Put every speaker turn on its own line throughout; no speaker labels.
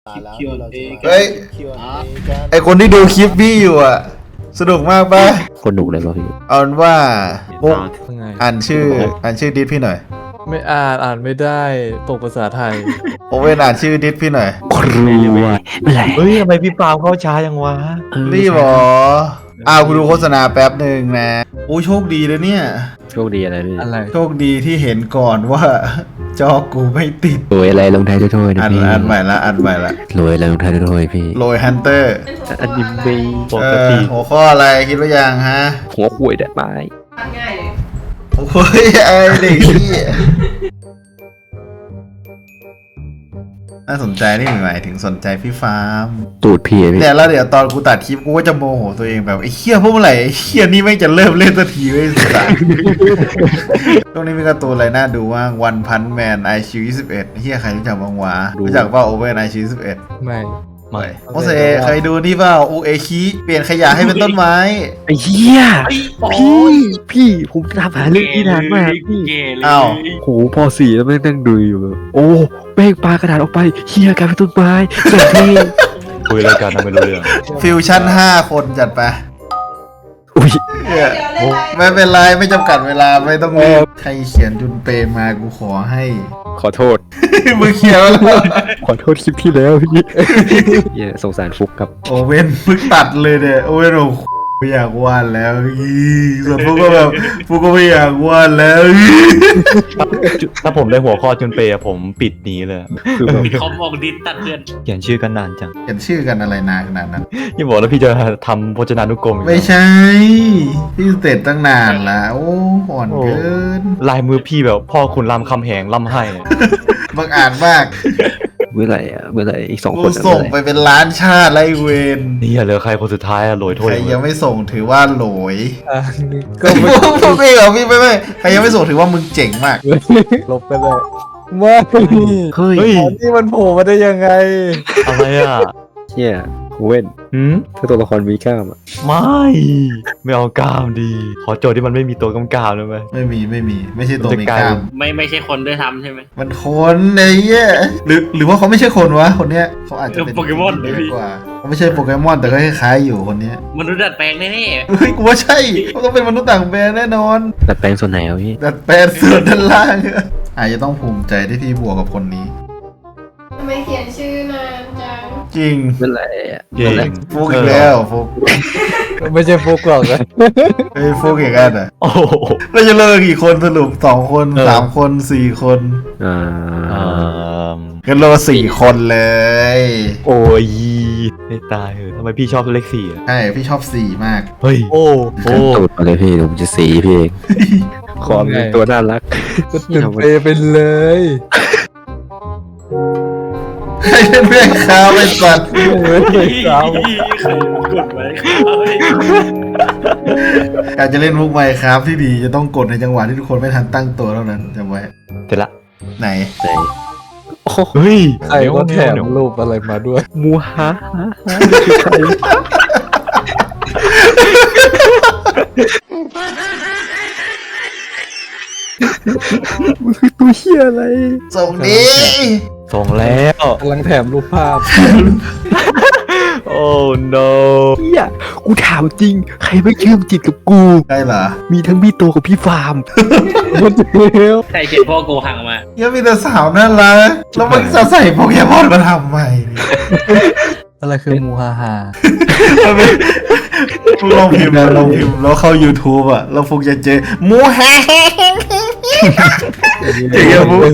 เฮ้ยไอคนที่ดูคลิปพี่อยู่อ่ะสนุกมากป่ะ
คนหนุกเลยป่ะพี่
เอาเป็นว่ามุก
ไง
อ่านชื่อดิสพี่หน่อย
ไม่อ่านไม่ได้ตกภาษาไทย
โอเว่นอ่านชื่อดิสพี่หน่อย
ครูอะไร
เฮ้ยทำไมพี่ปาล์มเข้าช้าจังวะ
รีบเหรอกูดูโฆษณาแป๊บหนึ่งนะโอ้โชคดีเลยเนี่ย
โชคดีอะไรพี่
อะไร
โชคดีที่เห็นก่อนว่า จอกูไม่ติด
รวยอะไรลงท้ายด้วยถ้วยนะ
อัน
พี่
ใหม่ละ
รวยอะไรลงท้ายด้วยถ้วยพี่
โรยฮันเตอร์
อันนี้ไม่
ปกติ
หัวข้ออะไรคิดว่ายังฮะ
หัวขวยได้ไหม
ง่ายเลย
โอ้ยไอเด็กนี่น่าสนใจนี่หมายถึงสนใจพี่ฟาร์ม
ตูดพี่พี่
เนี่ยแล้วเดี๋ยวตอนกูตัดคลิปกูก็จะโมโหตัวเองแบบไอ้เคี้ยพวกเมื่อไหร่ไอ้เคี้ยนี่ไม่งจะเริ่มเล่นสักทีไม่สุดท้ายตรงนี้มีการ์ตูนอะไรน่าดูว่างวันพันแมนไอชิว21เฮียใครรู้จักบ้างวะรู้จักว่าโอเว่นไอชิว21
ไม่
ไม่
โอเซเคยดูนี่เปล่าอูเอคิเปลี่ยนขยะให้เป็นต้นไม้
ไอ้เหี้ยพี่ผมทำหาเรื่องที่นานมากพี่
อ้าว
โหพอสี่แล้วแม่งนั่งดูอยู่แบบโอ้แม่งปลากระดาษออกไปเหี้ยกลายเป็นต้นไม้แบบนี้
คุยรายการทำไม่รู้เรื่อง
ฟิวชั่น5 คนจัดไป
อุ้ย
เหี้ย
เดี๋ยวเล่นไร
ไม่เป็นไรไม่จำกัดเวลาไม่ต้องรีบใครเขียนจุนเปมากูขอให้
ขอโทษ
มึงเขียนแล้ว
ขอโทษคลิปที่แล้วพี่เหี้ยสงสารฟุกครับ
โอเว่นเพิ่งตัดเลยเนี่ยโอเว่นโอ้โหไม่อยากวาดแล้วส่วนพวกก็แบบพวกก็ไม่อยากวาดแล้ว
ถ้าผมได้หัวข้อจนเปย์อะผมปิดหนี้เลย
คือแบบ
เขาบอกดิสตัดเพื่อน
เขียนชื่อกันนานจัง
เขียนชื่อกันอะไรนานขนาดนั้น
พี่บอกแล้วพี่จะทำพจนานุกรมอีก
ไม่ใช่ พี่เสร็จตั้งนานละโอ้อ่อนเกิน
ลายมือพี่แบบพ่อคุณรามคำแหงล่ำให้
บังอาจมาก
เมื่อไหร่อ่ะเมื่อไหร่อีก2
กู
คนอะ
ส่ง
เมื่อไห
ไป
ร่
เป็นล้านชาติไรเวน
นี่เหลือใครคนสุดท้ายอะโหลยถ้
ใค
วย
รยังไม่ส่งถือว่าโหลย
อ่ะก็
พ
ไม่
วกพี่เหรอพี่ไม่ใครยังไม่ส่งถือว่ามึงเจ๋งมาก
ลบไปเลยไม่
เฮ้ย
เฮ้ย
นี่มันโผล่มาได้ยังไง
อะไรอ่ะ
เหี้ยเว้น
หืม
ถ้าตัวละครมีกล้ามอ่ะ
ไม่เอากล้ามดี ขอโจทย์ที่มันไม่มีตัวกำกามเลยไหม
ไม่มีไม่ใช่ตัว
มัน
มี
จะกลาย
กล้าม
ไม่ใช่คนด้วยทำใช่ไหม
มันคนไอ้เหี้ยหรือว่าเขาไม่ใช่คนวะคนเนี้ยเขาอาจจะเป็น
โปเกมอนเลยพี่
กว่าเขาไม่ใช่โปเกมอนแต่ก็คล้ายๆอยู่คนเนี้ย
มนุษย์ดัดแปลงแน่
เฮ้ยกูว่าใช่เขาต้องเป็นมนุษย์ต่างแดนแน่นอน
ดัดแปลงส่วนไหนอ่ะพี่
ดัดแปลงส่วนด้านล่างอาจจะต้องภูมิใจที่พี่บวกกับคนนี้
ทำไมเขียนชื่อนานจัง
จริง
เมื่อไหร่อ่ะ
เก่ง
ฟุกอีกแล้วฟุก
ไม่ใช่ฟุกหรอกนะ
เฮ้ยฟุกอีกแล้วอ่ะ
โอ้โห
เราจะเลิกกี่คนสรุป2 คน3 คน4 คน
อ่า
กันเรา4 คนเลย
โอ้ยไม่ตายเหรอทำไมพี่ชอบเลข4อ่ะ
ใช่พี่ชอบ4 มาก
เฮ้ย โอ้
กันตูดมาเลยพี่เดี๋ยวผมจะสีพี่เองขอเป็นตัวน่ารัก
ก็ตื่นเปไปเลย
ให้เป็นแม่ค้าไปสัตว์
ๆใครกดไว้ครับ
การจะเล่นมุกไมค์ครับที่ดีจะต้องกดในจังหวะที่ทุกคนไม่ทันตั้งตัวเท่านั้นจำไว้
เสร็จละ
ไหน
ไหนโอ้
เฮ้ย
ใครก็แถมรูปอะไรมาด้วย
มูฮะคือใครมันคือตัวเหี้ยอะไร
ส่งดี
ส่งแล้ว
กำลังแถมรูปภาพ
โอ้ no
เหี้ยกูถามจริง ใครไม่เชื่อมจิตกับกู
ได้เหรอ
มีทั้งพี่โตกับพี่ฟาร์ม
มันเร็ว
ใครเขียนพ่อโกหังมา
ยังมีแต่สาวน่ารักแล้วมันจะใส่โปเกมอนมาทำไมเนี่ย
อะไรคือมูฮาฮา
มันเป็นมึงลองพิมพ์แล้วเข้า YouTube อ่ะแล้วฟุกจะเจอหมูแฮงเจ๋งอะฟุก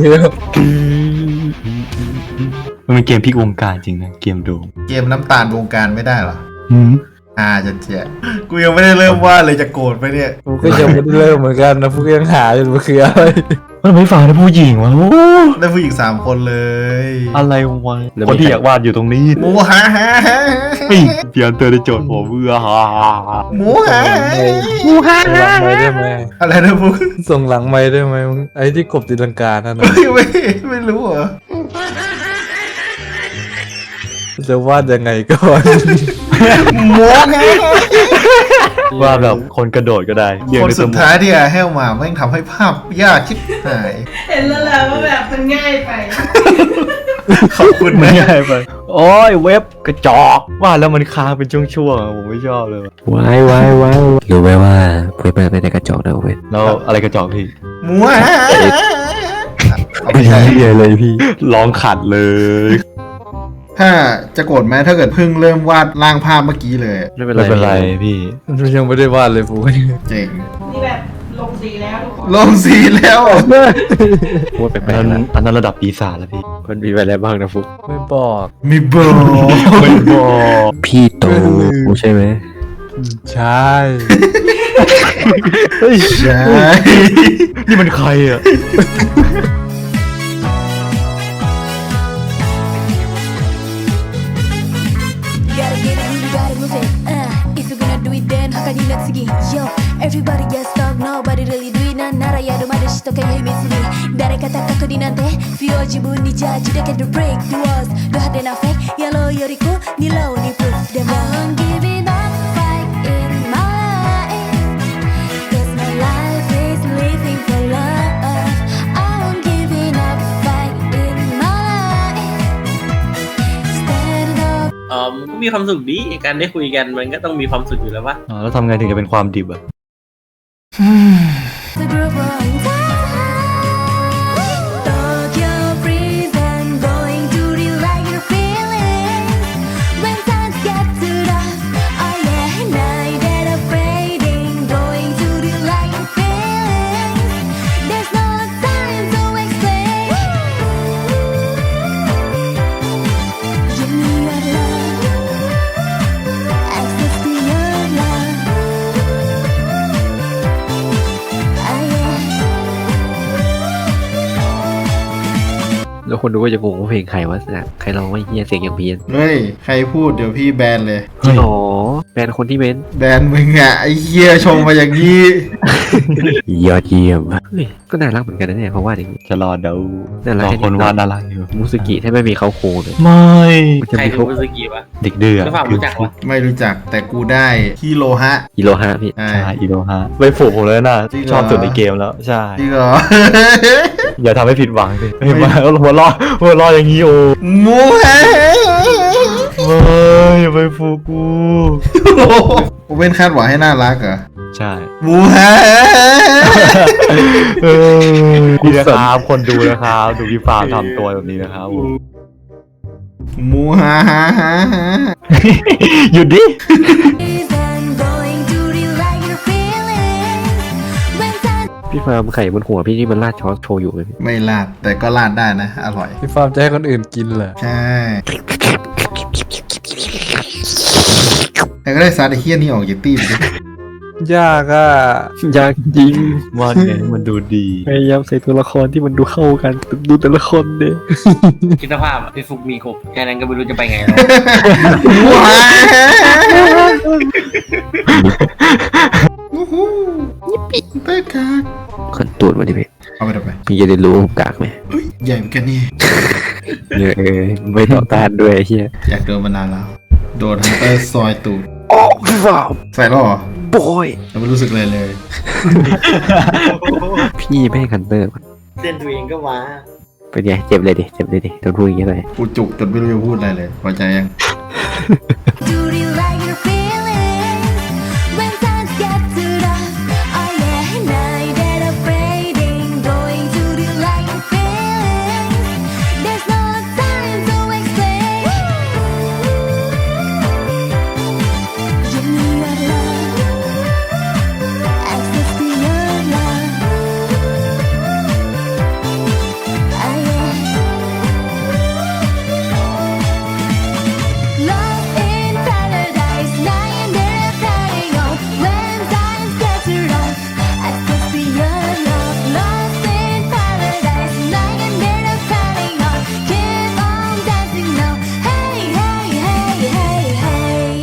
มันเป็นเกมพลิกวงการจริงนะ เกมโดม
เกมน้ำตาลวงการไม่ได้เหรอ
หืม
จะเจ๊กูยังไม่ได้เริ่มวาดเลยจะโกรธไปเนี่ย
กูก็ยังไม่ได้เริ่มเหมือนกันนะพวกยังหาอยู่มันคืออะไร
มันไม่ฟังนะผู้หญิงวะโอ้
ได้ผู้หญิง3 คนเลย
อะไรวะคนที่อยากวาดอยู่ตรงนี้
หมูฮาฮา
เฮ้ยเพียนเตอร์ได้โจทย์ผมเบื่อฮ่า
หมูฮา
ส่งหลังไม้ได้ไหม
อะไรนะฟุก
ส่งหลังไม้ได้ไหมมึงไอ้ที่กบตีลังกานั่นนะ
ไม่รู้เหรอ
จะวาดยังไงก่อน
หมูฮา
ว่าแบบคนกระโดดก็ได้เรียง
คน
ในส
สุด
มุด
ท้ายที่อาแฮลมาแม่งทำให้ภาพยากชิบหาย
เห็นแล้วแหละว่าแบบมันง่ายไป
ขอบคุณนะ
ง่ายไปโอ้ยเว็บกระจอกว่าแล้วมันค้างเป็นช่วงๆอะผมไม่ชอบเลยว่ะ
ว้ายรู้ไหมว่าเพื่อนไม่ได้กระจอกนะเว้ย
แล้วอะไรกระจอกพี่
มัวเอาไป
ไม่
ใช้
ใช่เลยพี่
ร้องขัดเลย
ถ้าจะโกรธไหมถ้าเกิดเพิ่งเริ่มวาดร่างภาพเมื่อกี้เลย
ไม่เป็น
ไม่เป็น
ไร
ไรพี่
ยังไม่ได้วาดเลยฟู
เจ๋ง
นี่แบบลงสีแล้วทุกคน
ลงสีแล้ว
พูดแปล
อั
ก
น
ๆ
นั้
นะ
นอันนั้นระดับปีศาจแล้วพี่
มันมีอะไรบ้างนะฟุก
ไม่บอก
มีเบอร์
ไม่บอก
พี่โตใช่ไหม
ใช่
ใช่
นี่มันใครอ่ะ
Gotta get it, you gotta move it. If you're gonna do it, then 他にな次 Yo, everybody gets stuck, nobody really do it. なんならやるまでしとけ秘密に。誰か高くになんて Feel 自分にジャッジだけど break the walls. ド派手なフェイクやろうよりこうにローに proof でも I won't give it up, fight in my life. Cause my life is living for love. I won't give it up, fight in my life. Stand up.
มันก็มีความสุขดีการได้คุยกันมันก็ต้องมีความสุขอยู่แล้ววะ
แล้วทำไงถึงจะเป็นความดิบอ่ะ
The group on time. Tokyo freeze and going to relight your feelings. When times get too rough, oh yeah, night and afraiding. Going to relight your feelings. There's no time to explain. Give me your love, access to your love. Ah, yeah.
แล้วคนดูก็จะงงว่าเพลงใครวะนะใครร้องว่าเฮียเสียงอย่างเพี้ยน
เฮ้ย ใครพูดเดี๋ยวพี่แบนเลย
อ๋อแบรนด์คนที่เม้น
แบนมึงอ่ะ ไอ้เหี้ยชงมาอย่างนี้
ยอดเยี่ยมเฮ้ยก็น่ารักเหมือนกันนะเนี่ยเขาว่าอย่างนี้
จะรอเดา
น่ารัก
รอคนวาดน่ารักอยู่
มูสกิถ้าไม่มีเขาโคเลย
ไม่
มันจะ
ใคร
มี
คือ
เขา
มุสกิวะ
เด็กเดือด
แล้วฝากรู้จักวะ
ไม่รู้จักแต่กูได้ฮิโรฮะ
ฮิโรฮะพี่
ใช่
ใช่อีโดฮะไปผูกผมเลยนะ
จริงเหรอ
ชอบสุดในเกมแล้ว ใช่
จริงเหรอ
อย่าทำให้ผิดหวังสิเฮ้ยมาหัวเรออย่างนี้โอ้
มูฮะ
ไม่อย่าไปผูกกู
กูเป็นคาดหวังให้น่ารักเหรอ
ใช่
มูฮะ
นี่นะครับคนดูนะครับดูพี่ฟาร์มทำตัวแบบนี้นะครับ
มูฮะฮะฮะฮะ
หยุดดิ
And going to relight your feelings. When times
พี่ฟาร์มไข่บนหัวพี่นี่มันราดช้อนโชว์อยู่ไหมพี่
ไม่ลาดแต่ก็ลาดได้นะ อร่อย
พี่ฟาร์มจะให้คนอื่นกินเหรอ
ใช่แต่ก็ได้ซาดไอ้เฮี้ยนี่ออกจากตีไปดิ
ยากอ่ะ
อยากจริง
ว่าไงมันดูดี
พยายามใส่ตัวละครที่มันดูเข้ากันดูแต่ละคนเนี่ย
คิดสภาพพี่ฟุกมีกบแค่นั้นก็ไม่รู้จะไปไงแล้ว
มูฮะโอ้โหยิปปี้เป๊กกาก
คนตูดมาดิพี่
เอาไปทำไม
พี่จะได้รู้ผมกากไหม
เฮ้ยใหญ่เหมือนกันนี่
เนี่ยไม่ต่อต้านด้วยไอ้เฮีย
อยากโดนมานานแล้ว โดนฮันเตอร์ซอยตูด
โอ้พี่ฟาร์ม
ใส่แล้วเหรอ
บอย
แล้วไม่รู้สึกเลยเลย
พี่ไม่ให้คันเตอร์
เส้นตัวเองก็มา
เป็นไงเจ็บเลยดิโดนพูดอย่างเงี้ยเลย
กูจุกจนไม่รู้จะพูดอะไรเลยพอใจยัง
to relight your feelings. When times get too rough, oh yeah, night and afraiding. Going to relight your feelings. There's no time to explain. Give me your love, access to your love. Ah, yeah. Lost in paradise, night and day flying on. When times get too rough, access to your love. Lost in paradise, night and day flying on. Keep on dancing now. Hey, hey, hey, hey, hey.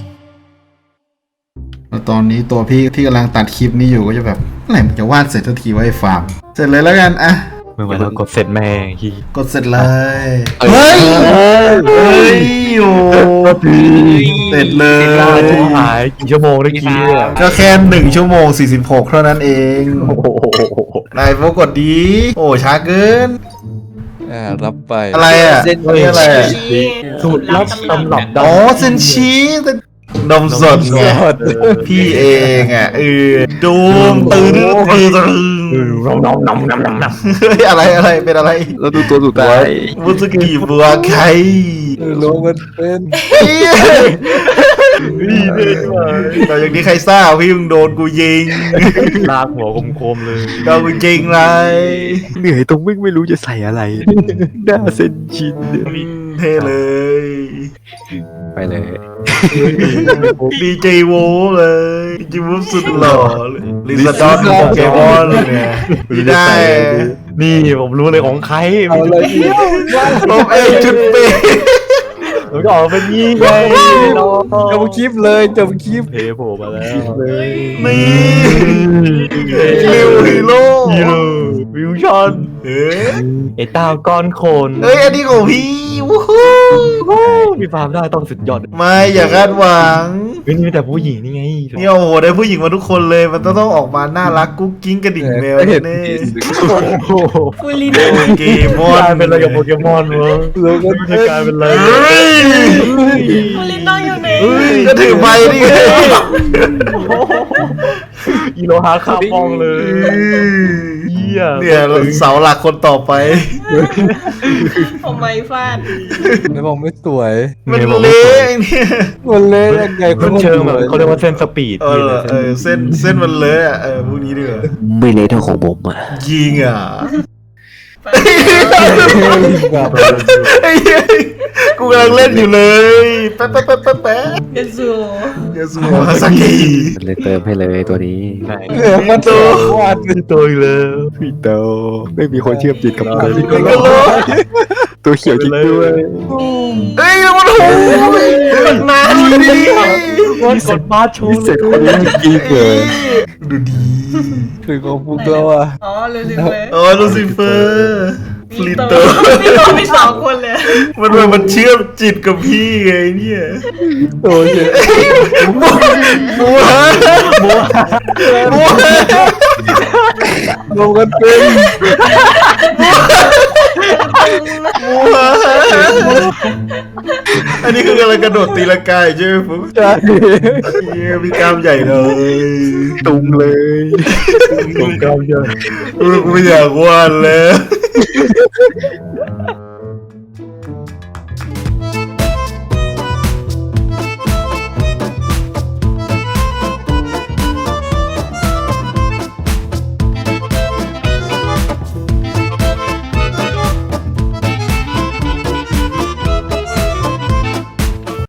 แล้วตอนนี้ตัวพี่ที่กำลังตัดคลิปนี้อยู่ก็จะแบบเมื่อไหร่มันจะวาดเสร็จทันทีไว้ฟาร์ม เสร็จเลยแล้วกันอะ
เมื่อวันเรากดเสร็จแม่งที่
กดเสร็จเลย เฮ้ย เฮ้ยโอ้เสร็จเลย
จะหายกี่ชั่วโมงได้กี้เนี่ย
ก็แค่1 ชั่วโมง 46 เท่านั้นเอง
โอ้โห
นายโฟกดดี โอ้ช้าเกิน
รับไป
อะไรอ่ะนี่อะไรอ่ะ
สูตรลับตำรับดั
อ๋อเซนชีนมสดไงพี่เองอ่ะดูมตื่นเฮ้ยอะไรเป็นอะไร
แล้วดูตัวสุดท้าย
มุสกิบัวไข่
ลงมันเป็น
แต่อย่างนี้ใครทราบพี่มึงโดนกูยิง
ลากหัวคมๆเลย
โดนกูยิงเลย
เหนื่อยตรงไม่รู้จะใส่อะไรหน้าเส้นชินเนี่ย
เท่เลย
ไปเลย
ดีเจโวเลยดีเจโวสุดหล่อเลยลิซาดอนโปเกมอนเนี่ยไม่ได้
นี่ผมรู้เลยของใคร
เอาอะไรอีก
ผมเองจุดเป๊ะ
มันก็ออกเป็นยี่ไงน้อง
จบคลิปเลยจบคลิป
เทโผล่มาแล้ว
เลย
นี่ลิวฮีโร่
ฮีโร่วิวชอน
เฮ้ย
ไอ้ต้าก้อนโคน
เฮ้ยอันนี้ของพี่วู้ฮู้
พี่ฟาร์มได้ต้องสุดยอด
ไม่อย่าคาดหวัง
เฮ้ยนี่มีแต่ผู้หญิงนี่ไง
เนี่ยโอ้โหได้ผู้หญิงมาทุกคนเลยมันต้องออกมาน่ารักกุ๊กกิ๊งกระดิ่งแมว
เห็น
แน่
โอ้โห
ฟูลิน
โปเกมอก
ลาน ยเป็นอะไรกับโปเกมอนวะ
ลงมัน
มัน
เป็
จะ
น
กลายเป็นอะไร
เฮ้ย
ฟูลินนั่งอยู่ไหน
ก็ถือไม้นี่ไง
อีโลฮาคาปองเลยเยี่ย
เนี่ยเสาหลักคนต่อไป
ผมไม่ฟาด
ไม่บอกไม่สวย
มันเละเนี่ย
มันเล่นยังไง
มันเชิงแบบเขาเรียกว่าเส้นสปีด
เส้นมันเลอะอ่ะพวกนี้ดีกว่า
ไม่เละเท่าของผมอ่ะ
ยิงอ่ะ
ไป
ไอ้เหี้ยกูกำลังเล่นอยู่เลยแป๊ะ
เยซู
ยาสูบฮาซากิ
มันเลยเติมให้เลยตัวนี้
มันตัววาด
เป็นตัวอีกแล้ว
พี่โตไม่มีคนเชื่อมจิตกับมัน
นี่ก็โล
ตัวเขียวจริงด้วย
เฮ้ยมันโหมันนานเลยดิ
กดบาร์โช
พิ
ว์
เศษคนนี้จริงเลย
ดูดี
คือของพวกเราอ่ะ
อ๋อลูซิเฟอร์
อ๋อลูซิเฟอร์ฟลิตเตอร์
พี่โตมีสองคนเลย
มันเชื่อมจิตกับพี่ไงเนี่ย
โอ้ย
บัว
ลงกันเป็น
อันนี้คือกำลังกระโดดตีลังกาใช่ไหมฟุ๊ก
ใช่
เฮียมีกล้ามใหญ่เลย
ตุงเลย
ผมกล้ามใหญ่
กูไม่อยากวาดแล้ว